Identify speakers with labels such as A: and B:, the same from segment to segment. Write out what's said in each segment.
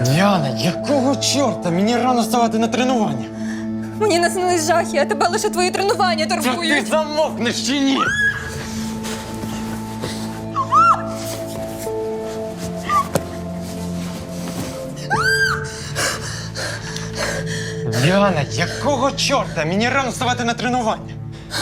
A: Діана, якого чорта? Мені рано вставати на тренування.
B: Мені наснились жахи, а тебе лише твої тренування
A: Та ти
B: турбують.
A: замовкнеш чи ні? Діана, якого чорта? Мені рано вставати на тренування.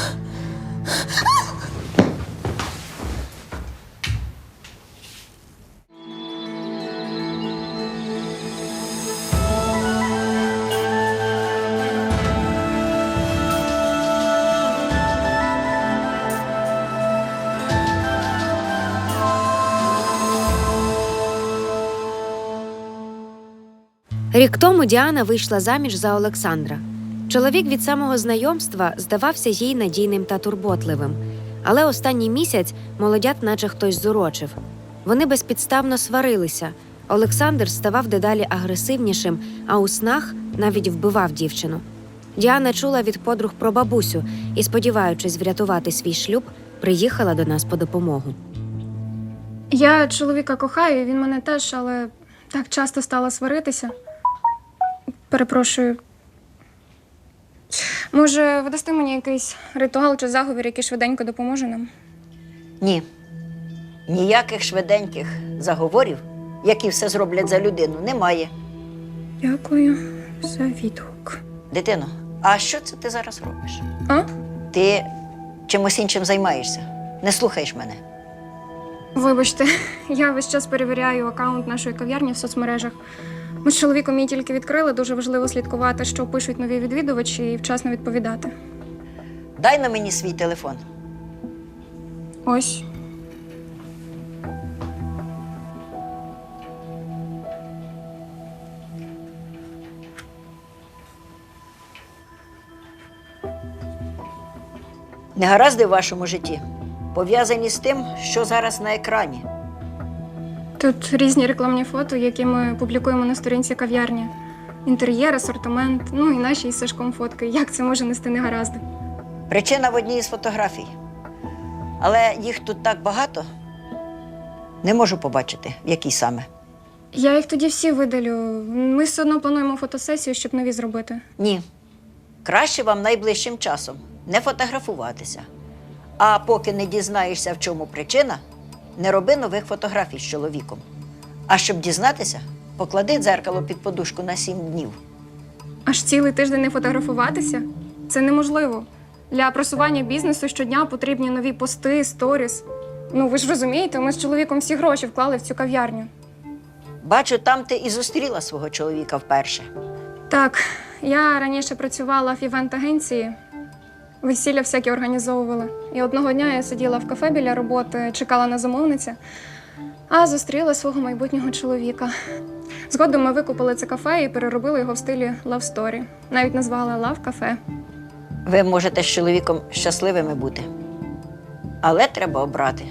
C: Рік тому Діана вийшла заміж за Олександра. Чоловік від самого знайомства здавався їй надійним та турботливим. Але останній місяць молодят наче хтось зурочив. Вони безпідставно сварилися. Олександр ставав дедалі агресивнішим, а у снах навіть вбивав дівчину. Діана чула від подруг про бабусю і, сподіваючись врятувати свій шлюб, приїхала до нас по допомогу.
D: Я чоловіка кохаю, він мене теж, але так часто стала сваритися. Перепрошую. Може, ви дасте мені якийсь ритуал чи заговір, який швиденько допоможе нам?
E: Ні. Ніяких швиденьких заговорів, які все зроблять за людину, немає.
D: Дякую за відгук.
E: Дитино, а що це ти зараз робиш?
D: А?
E: Ти чимось іншим займаєшся. Не слухаєш мене.
D: Вибачте, я весь час перевіряю акаунт нашої кав'ярні в соцмережах. Ми з чоловіком її тільки відкрили, дуже важливо слідкувати, що пишуть нові відвідувачі, і вчасно відповідати.
E: Дай на мені свій телефон.
D: Ось.
E: Негаразди в вашому житті пов'язані з тим, що зараз на екрані.
D: Тут різні рекламні фото, які ми публікуємо на сторінці кав'ярні. Інтер'єр, асортимент, ну і наші із Сашком фотки. Як це може нести негаразди?
E: Причина в одній із фотографій. Але їх тут так багато, не можу побачити, в якій саме.
D: Я їх тоді всі видалю. Ми все одно плануємо фотосесію, щоб нові зробити.
E: Ні. Краще вам найближчим часом не фотографуватися. А поки не дізнаєшся, в чому причина, не роби нових фотографій з чоловіком. А щоб дізнатися, поклади дзеркало під подушку на 7 днів.
D: Аж цілий тиждень не фотографуватися? Це неможливо. Для просування бізнесу щодня потрібні нові пости, сторіс. Ну, ви ж розумієте, ми з чоловіком всі гроші вклали в цю кав'ярню.
E: Бачу, там ти і зустріла свого чоловіка вперше.
D: Так, я раніше працювала в івент-агенції. Весілля всякі організовували. І одного дня я сиділа в кафе біля роботи, чекала на замовниця, а зустріла свого майбутнього чоловіка. Згодом ми викупили це кафе і переробили його в стилі Love Story. Навіть назвали Love Cafe.
E: Ви можете з чоловіком щасливими бути. Але треба обрати,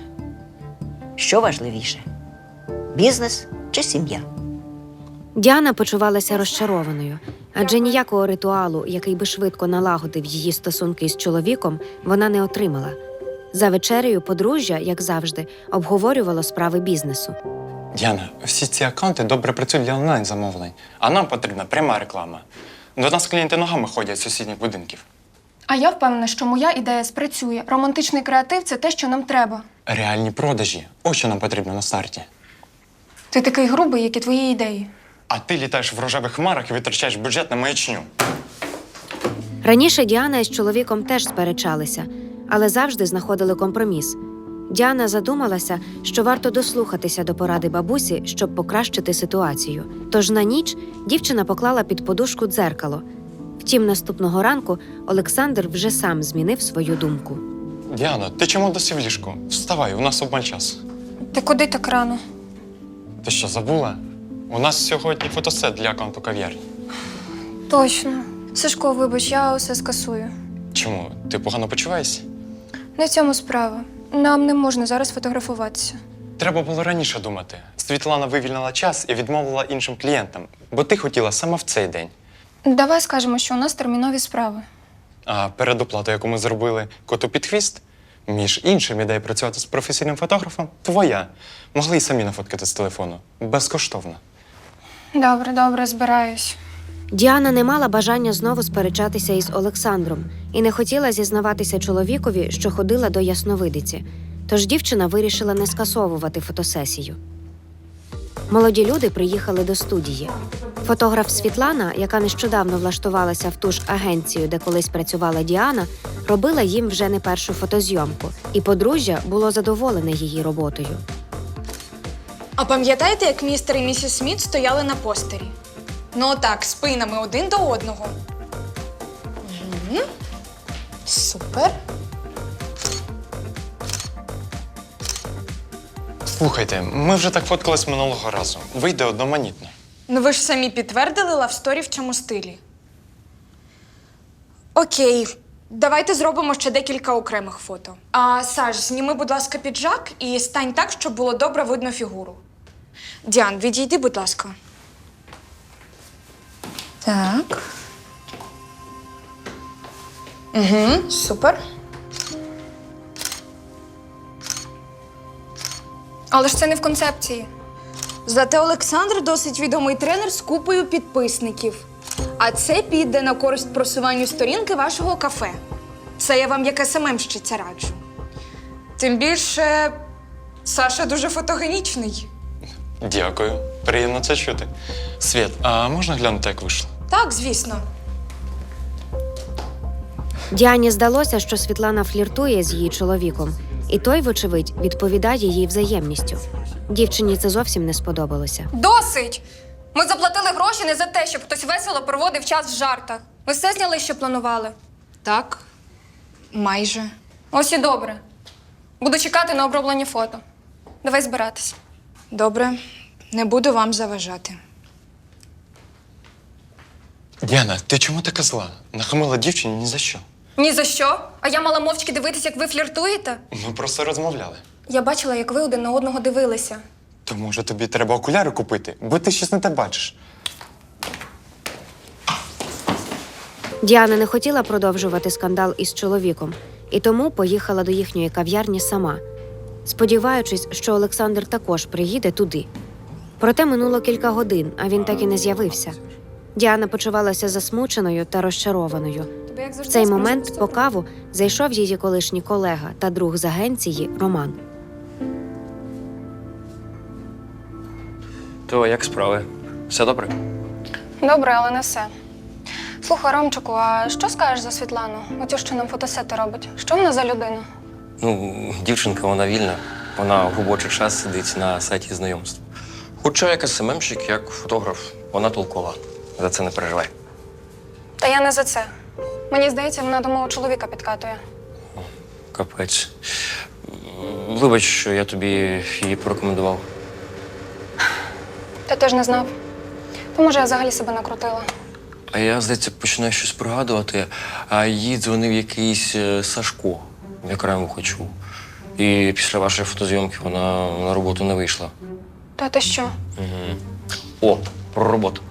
E: що важливіше – бізнес чи сім'я.
C: Діана почувалася розчарованою, адже ніякого ритуалу, який би швидко налагодив її стосунки із чоловіком, вона не отримала. За вечерею подружжя, як завжди, обговорювало справи бізнесу.
A: Діана, всі ці аккаунти добре працюють для онлайн-замовлень, а нам потрібна пряма реклама. До нас клієнти ногами ходять з сусідніх будинків.
D: А я впевнена, що моя ідея спрацює. Романтичний креатив – це те, що нам треба.
A: Реальні продажі – ось що нам потрібно на старті.
D: Ти такий грубий, як і твої ідеї.
A: А ти літаєш в рожевих хмарах і витрачаєш бюджет на маячню.
C: Раніше Діана із чоловіком теж сперечалися, але завжди знаходили компроміс. Діана задумалася, що варто дослухатися до поради бабусі, щоб покращити ситуацію. Тож на ніч дівчина поклала під подушку дзеркало. Втім, наступного ранку Олександр вже сам змінив свою думку.
A: Діана, ти чому досі в ліжку? Вставай, у нас обмаль час.
D: Ти куди так рано?
A: Ти що, забула? У нас сьогодні фотосет для аккаунту кав'ярні.
D: Точно. Сашко, вибач, я усе скасую.
A: Чому? Ти погано почуваєшся?
D: Не в цьому справа. Нам не можна зараз фотографуватися.
A: Треба було раніше думати. Світлана вивільнила час і відмовила іншим клієнтам, бо ти хотіла саме в цей день.
D: Давай скажемо, що у нас термінові справи.
A: А передоплата, яку ми зробили коту під хвіст, між іншим, ідея працювати з професійним фотографом, твоя. Могли й самі нафоткати з телефону. Безкоштовно.
D: Добре, збираюсь.
C: Діана не мала бажання знову сперечатися із Олександром і не хотіла зізнаватися чоловікові, що ходила до ясновидиці. Тож дівчина вирішила не скасовувати фотосесію. Молоді люди приїхали до студії. Фотограф Світлана, яка нещодавно влаштувалася в ту ж агенцію, де колись працювала Діана, робила їм вже не першу фотозйомку, і подружжя було задоволене її роботою.
F: А пам'ятаєте, як містер і місіс Сміт стояли на постері? Ну отак, спинами один до одного. Угу. Супер.
A: Слухайте, ми вже так фоткались минулого разу. Вийде одноманітно.
F: Ну ви ж самі підтвердили лавсторі в цьому стилі. Окей, давайте зробимо ще декілька окремих фото. А Саш, зніми, будь ласка, піджак і стань так, щоб було добре видно фігуру. Діан, відійди, будь ласка. Так. Угу, супер.
D: Але ж це не в концепції.
F: Зате Олександр досить відомий тренер з купою підписників. А це піде на користь просуванню сторінки вашого кафе. Це я вам як СММщиця раджу. Тим більше, Саша дуже фотогенічний.
A: Дякую. Приємно це чути. Світ, а можна глянути, як вийшло?
F: Так, звісно.
C: Діані здалося, що Світлана фліртує з її чоловіком, і той, вочевидь, відповідає їй взаємністю. Дівчині це зовсім не сподобалося.
D: Досить! Ми заплатили гроші не за те, щоб хтось весело проводив час в жартах. Ви все зняли, що планували?
F: Так, майже.
D: Ось і добре. Буду чекати на оброблені фото. Давай збиратись.
F: Добре, не буду вам заважати.
A: Діана, ти чому така зла? Нахамила дівчині ні за що.
D: Ні за що? А я мала мовчки дивитися, як ви фліртуєте?
A: Ми просто розмовляли.
D: Я бачила, як ви один на одного дивилися.
A: То може тобі треба окуляри купити, бо ти щось не те бачиш.
C: Діана не хотіла продовжувати скандал із чоловіком, і тому поїхала до їхньої кав'ярні сама, сподіваючись, що Олександр також приїде туди. Проте минуло кілька годин, а він так і не з'явився. Діана почувалася засмученою та розчарованою.
D: Тобі як
C: В
D: завжди
C: цей
D: справді
C: момент
D: супер.
C: по каву зайшов її колишній колега та друг з агенції Роман.
G: То як справи? Все добре?
D: Добре, але не все. Слухай, Ромчику, а що скажеш за Світлану? Оцю, що нам фотосети робить? Що вона за людина?
G: Ну, дівчинка, вона вільна. Вона в робочий час сидить на сайті знайомств. Хоча як СММщик, як фотограф, вона толкова. За це не переживай.
D: Та я не за це. Мені здається, вона до мого чоловіка підкатує.
G: Капець. Вибач, що я тобі її порекомендував.
D: Ти теж не знав. То може я взагалі себе накрутила.
G: А я, здається, починаю щось пригадувати, а їй дзвонив якийсь Сашко, я краєм вуха чув. І після вашої фотозйомки вона на роботу не вийшла.
D: Та ти що?
G: О, про роботу.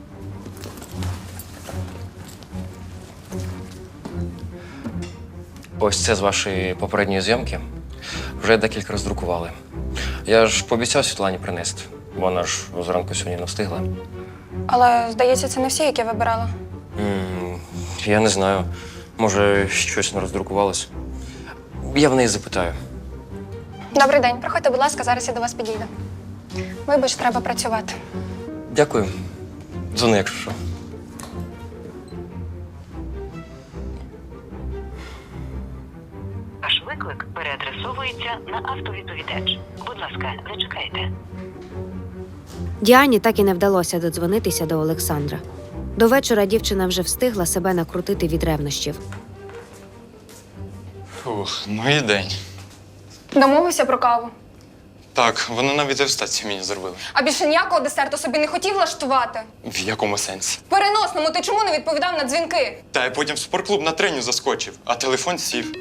G: Ось це з вашої попередньої зйомки. Вже декілька роздрукували. Я ж пообіцяв Світлані принести. Вона ж зранку сьогодні не встигла.
D: Але, здається, це не всі, які вибирала.
G: Я не знаю. Може, щось не роздрукувалось. Я в неї запитаю.
D: Добрий день. Приходьте, будь ласка, зараз я до вас підійду. Вибач, треба працювати.
G: Дякую. Дзвони, якщо що.
H: Ваш виклик переадресовується на автовідповідач. Будь ласка, зачекайте.
C: Діані так і не вдалося додзвонитися до Олександра. До вечора дівчина вже встигла себе накрутити від ревнощів.
A: Фух, ну і день.
D: Домовився про каву.
A: Так, вони навіть девстацію мені зробили.
D: А більше ніякого десерту собі не хотів влаштувати.
A: В якому сенсі?
D: В переносному ти чому не відповідав на дзвінки?
A: Та я потім в спортклуб на треню заскочив, а телефон сів.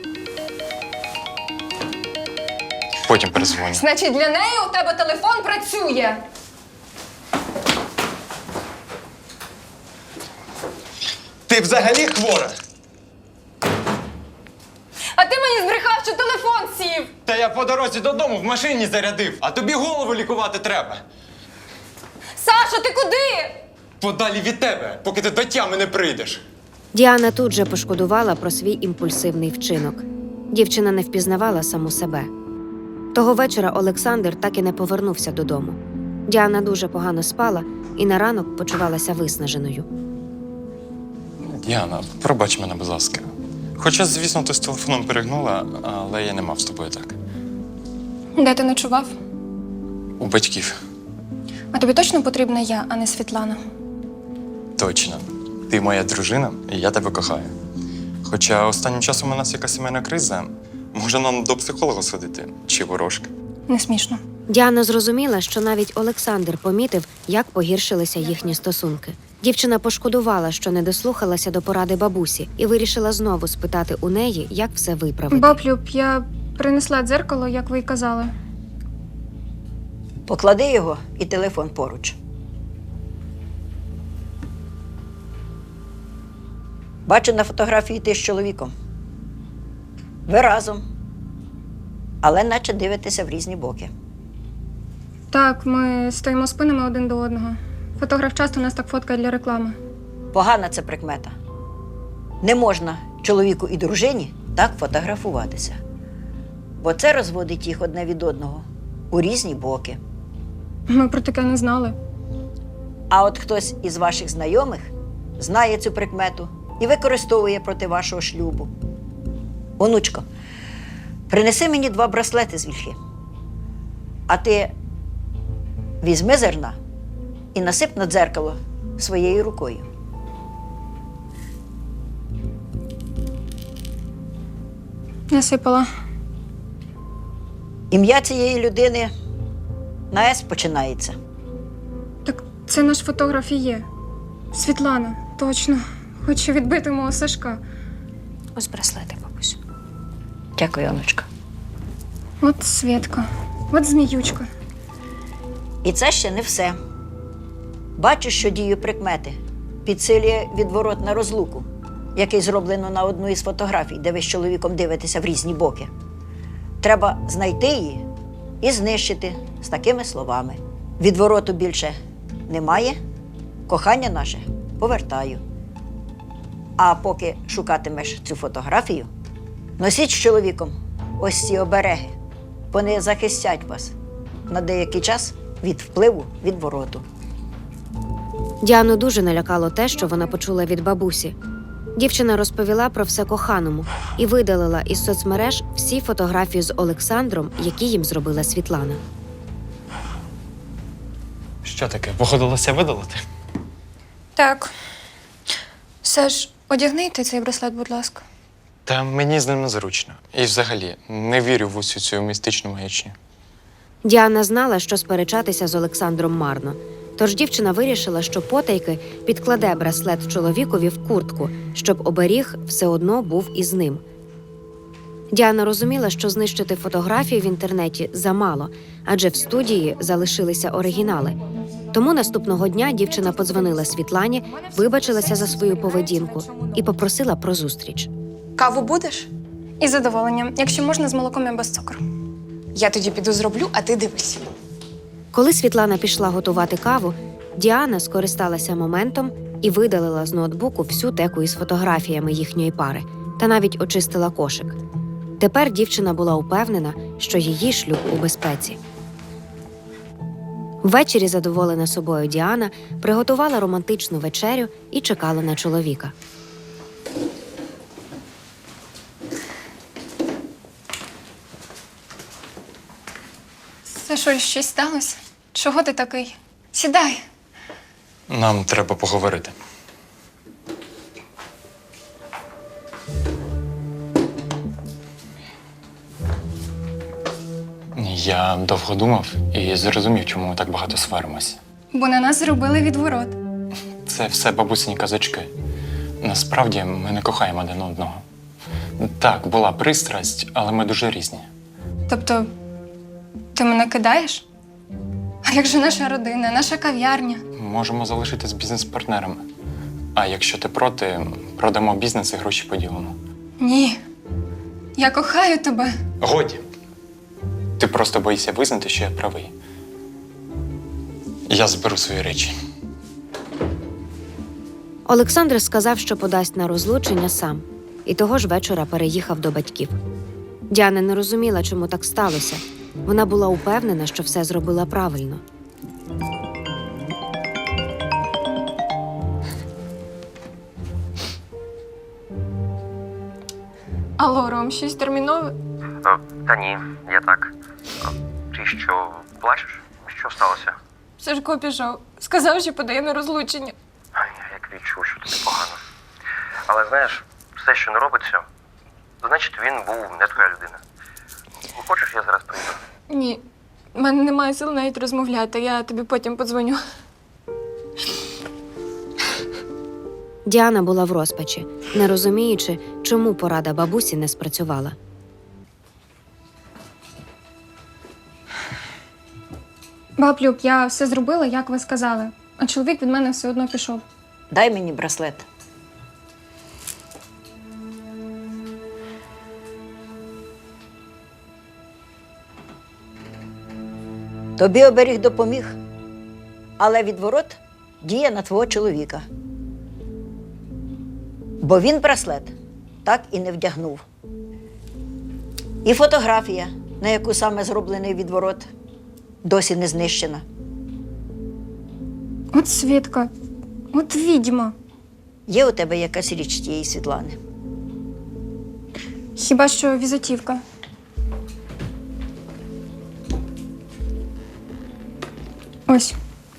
A: Потім перезвоню.
D: Значить, для неї у тебе телефон працює.
A: Ти взагалі хвора?
D: А ти мені збрехав, що телефон сів.
A: Та я по дорозі додому в машині зарядив, а тобі голову лікувати треба.
B: Саша, ти куди?
A: Подалі від тебе, поки ти до тями не прийдеш.
C: Діана тут же пошкодувала про свій імпульсивний вчинок. Дівчина не впізнавала саму себе. Того вечора Олександр так і не повернувся додому. Діана дуже погано спала і на ранок почувалася виснаженою.
A: Діана, пробач мене, будь ласка. Хоча, звісно, ти з телефоном перегнула, але я не мав з тобою так.
D: Де ти ночував?
A: У батьків.
D: А тобі точно потрібна я, а не Світлана?
A: Точно. Ти моя дружина, і я тебе кохаю. Хоча останнім часом у нас якась сімейна криза. Може, нам до психолога сходити? Чи ворожки?
D: Не смішно.
C: Діана зрозуміла, що навіть Олександр помітив, як погіршилися їхні стосунки. Дівчина пошкодувала, що не дослухалася до поради бабусі, і вирішила знову спитати у неї, як все виправити.
D: Баблюб, я принесла дзеркало, як ви й казали.
E: Поклади його і телефон поруч. Бачу на фотографії ти з чоловіком. Ви разом, але наче дивитеся в різні боки.
D: Так, ми стоїмо спинами один до одного. Фотограф часто нас так фоткає для реклами.
E: Погана це прикмета. Не можна чоловіку і дружині так фотографуватися. Бо це розводить їх одне від одного у різні боки.
D: Ми про таке не знали.
E: А от хтось із ваших знайомих знає цю прикмету і використовує проти вашого шлюбу. Онучко, принеси мені 2 браслети з вільхи. А ти візьми зерна і насип на дзеркало своєю рукою.
D: Насипала.
E: Ім'я цієї людини на «С» починається.
D: Так це наш фотограф і є. Світлана, точно. Хочу відбити мого Сашка.
C: Ось браслети, бабусь.
E: Дякую, онучка.
D: От Свєтка, от зміючка.
E: І це ще не все. Бачу, що дію прикмети підсилює відворот на розлуку, який зроблено на одну із фотографій, де ви з чоловіком дивитеся в різні боки. Треба знайти її і знищити з такими словами. Відвороту більше немає, кохання наше повертаю. А поки шукатимеш цю фотографію, носіть з чоловіком ось ці обереги. Вони захистять вас на деякий час від впливу відвороту.
C: Діану дуже налякало те, що вона почула від бабусі. Дівчина розповіла про все коханому і видалила із соцмереж всі фотографії з Олександром, які їм зробила Світлана.
A: Що таке? Погодилася видалити?
D: Так. Саш, одягни ти цей браслет, будь ласка.
A: Та мені з ним незручно. І взагалі не вірю в усю цю містичну маячню.
C: Діана знала, що сперечатися з Олександром марно. Тож дівчина вирішила, що потайки підкладе браслет чоловікові в куртку, щоб оберіг все одно був із ним. Діана розуміла, що знищити фотографії в інтернеті замало, адже в студії залишилися оригінали. Тому наступного дня дівчина подзвонила Світлані, вибачилася за свою поведінку і попросила про зустріч.
F: Каву будеш?
D: Із задоволенням, якщо можна, з молоком і без цукру.
F: Я тоді піду зроблю, а ти дивись.
C: Коли Світлана пішла готувати каву, Діана скористалася моментом і видалила з ноутбуку всю теку із фотографіями їхньої пари та навіть очистила кошик. Тепер дівчина була упевнена, що її шлюб у безпеці. Ввечері задоволена собою Діана приготувала романтичну вечерю і чекала на чоловіка.
D: Сашуль, щось сталося? Чого ти такий? Сідай.
A: Нам треба поговорити. Я довго думав і зрозумів, чому ми так багато сваримося.
D: Бо на нас зробили відворот.
A: Це все бабусині казочки. Насправді ми не кохаємо один одного. Так, була пристрасть, але ми дуже різні.
D: Тобто, ти мене кидаєш? А як же наша родина, наша кав'ярня?
A: Можемо залишитись бізнес-партнерами. А якщо ти проти, продамо бізнес і гроші поділимо.
D: Ні. Я кохаю тебе.
A: Годі. Ти просто боїшся визнати, що я правий. Я зберу свої речі.
C: Олександр сказав, що подасть на розлучення сам, і того ж вечора переїхав до батьків. Діана не розуміла, чому так сталося. Вона була упевнена, що все зробила правильно.
D: Алло, Ром, щось термінове?
G: Та ні, я так. Ти що, плачеш? Що сталося?
D: Сашко пішов. Сказав, що подає на розлучення.
G: Я як відчув, що тобі погано. Але знаєш, все, що не робиться, значить він був не твоя людина. Хочеш, я зараз прийду?
D: Ні, в мене немає сил навіть розмовляти. Я тобі потім подзвоню.
C: Діана була в розпачі, не розуміючи, чому порада бабусі не спрацювала.
D: Баб Люб, я все зробила, як ви сказали. А чоловік від мене все одно пішов.
E: Дай мені браслет. Тобі оберіг допоміг, але відворот діє на твого чоловіка. Бо він браслет так і не вдягнув. І фотографія, на яку саме зроблений відворот, досі не знищена.
D: От Свідка, от відьма.
E: Є у тебе якась річ тієї Світлани?
D: Хіба що візитівка. Ось.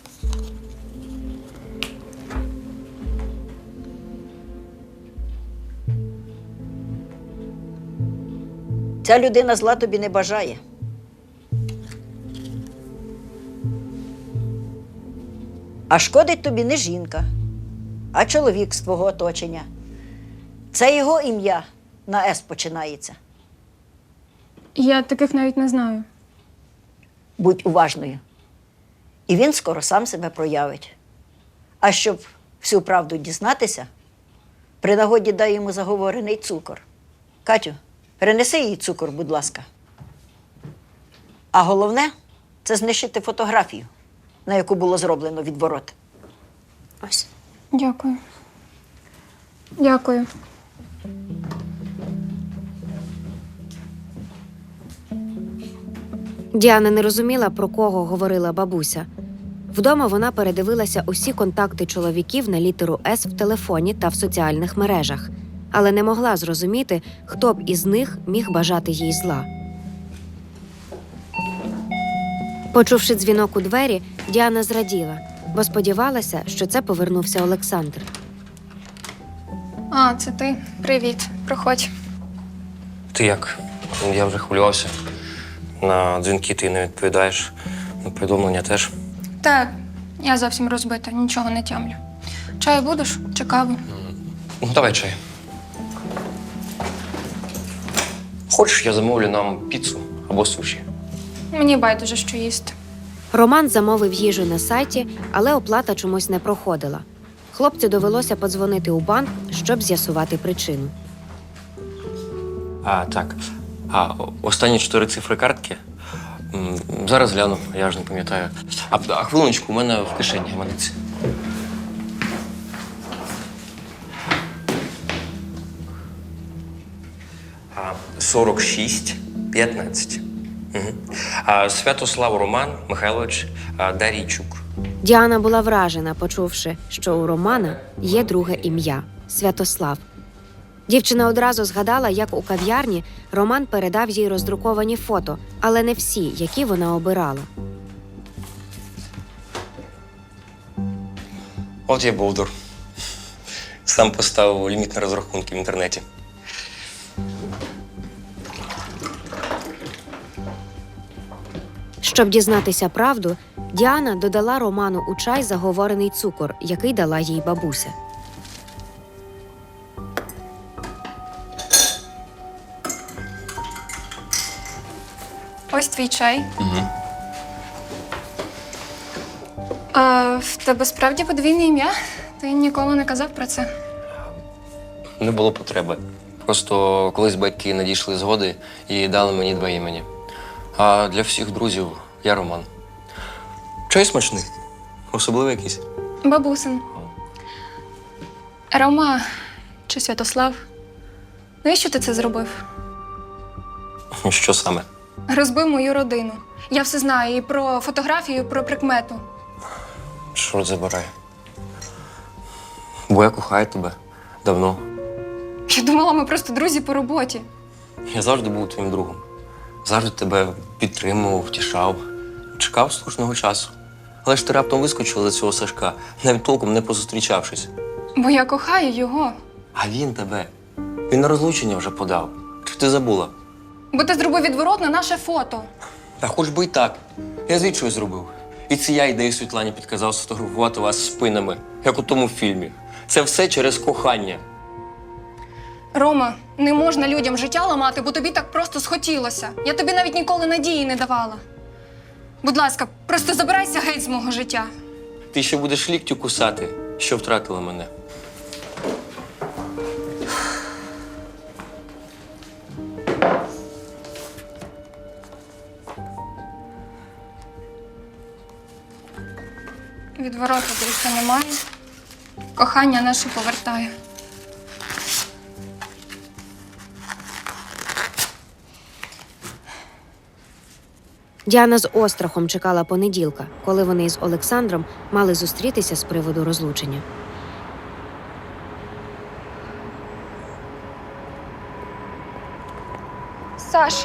E: Ця людина зла тобі не бажає. А шкодить тобі не жінка, а чоловік з твого оточення. Це його ім'я на «С» починається.
D: Я таких навіть не знаю.
E: Будь уважною. І він скоро сам себе проявить. А щоб всю правду дізнатися, при нагоді дай йому заговорений цукор. Катю, перенеси їй цукор, будь ласка. А головне – це знищити фотографію, на яку було зроблено відворот. Ось.
D: Дякую. Дякую.
C: Діана не розуміла, про кого говорила бабуся. Вдома вона передивилася усі контакти чоловіків на літеру «С» в телефоні та в соціальних мережах, але не могла зрозуміти, хто б із них міг бажати їй зла. Почувши дзвінок у двері, Діана зраділа, бо сподівалася, що це повернувся Олександр.
D: А, це ти. Привіт. Проходь.
G: Ти як? Я вже хвилювався. На дзвінки ти не відповідаєш, на повідомлення теж.
D: Так, я зовсім розбита, нічого не тямлю. Чаю будеш? Чи каву?
G: Ну, давай чай. Хочеш, я замовлю нам піцу або суші?
D: Мені байдуже, що їсти.
C: Роман замовив їжу на сайті, але оплата чомусь не проходила. Хлопцю довелося подзвонити у банк, щоб з'ясувати причину.
G: Так. Останні 4 цифри картки? Зараз гляну, я ж не пам'ятаю. Хвилиночку, у мене в кишені гаманець. А, 46-15. Святослав Роман Михайлович Дарійчук.
C: Діана була вражена, почувши, що у Романа є друге ім'я – Святослав. Дівчина одразу згадала, як у кав'ярні Роман передав їй роздруковані фото, але не всі, які вона обирала.
G: От я бовдур. Сам поставив ліміт на розрахунки в інтернеті.
C: Щоб дізнатися правду, Діана додала Роману у чай заговорений цукор, який дала їй бабуся.
D: Ось твій чай.
G: Угу.
D: А в тебе справді подвійне ім'я? Ти ніколи не казав про це.
G: Не було потреби. Просто колись батьки надійшли згоди і дали мені 2 імені. А для всіх друзів я Роман. Чай смачний. Особливий якийсь?
D: Бабусин. Рома чи Святослав, навіщо ти це зробив?
G: Що саме?
D: Розбив мою родину. Я все знаю і про фотографію, і про прикмету.
G: Чорт забирай. Бо я кохаю тебе. Давно.
D: Я думала, ми просто друзі по роботі.
G: Я завжди був твоїм другом. Завжди тебе підтримував, втішав. Чекав слушного часу. Але ж ти раптом вискочила за цього Сашка, навіть толком не позустрічавшись.
D: Бо я кохаю його.
G: А він тебе. Він на розлучення вже подав. Чи ти забула?
D: Бо ти зробив відворот на наше фото.
G: Та хоч би й так. Я звідси щось зробив. І це я ідею Світлані підказав сфотографувати вас спинами, як у тому фільмі. Це все через кохання.
D: Рома, не можна людям життя ламати, бо тобі так просто схотілося. Я тобі навіть ніколи надії не давала. Будь ласка, просто забирайся геть з мого життя.
G: Ти ще будеш ліктю кусати, що втратила мене.
D: Відвороту більше немає. Кохання наше повертає.
C: Діана з острахом чекала понеділка, коли вони із Олександром мали зустрітися з приводу розлучення.
D: Саш,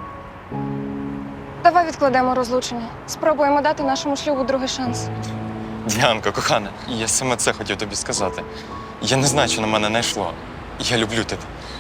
D: давай відкладемо розлучення. Спробуємо дати нашому шлюбу другий шанс.
A: Діанко, кохана, я саме це хотів тобі сказати. Я не знаю, що на мене не йшло. Я люблю тебе.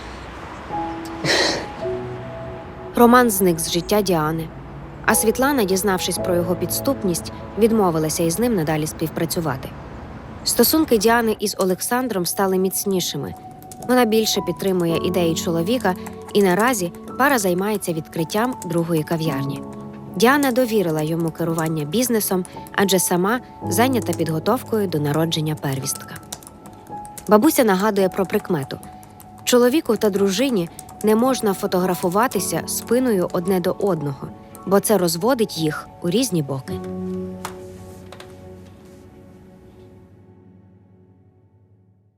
C: Роман зник з життя Діани. А Світлана, дізнавшись про його підступність, відмовилася із ним надалі співпрацювати. Стосунки Діани із Олександром стали міцнішими. Вона більше підтримує ідеї чоловіка, і наразі пара займається відкриттям другої кав'ярні. Діана довірила йому керування бізнесом, адже сама зайнята підготовкою до народження первістка. Бабуся нагадує про прикмету. Чоловіку та дружині не можна фотографуватися спиною одне до одного, бо це розводить їх у різні боки.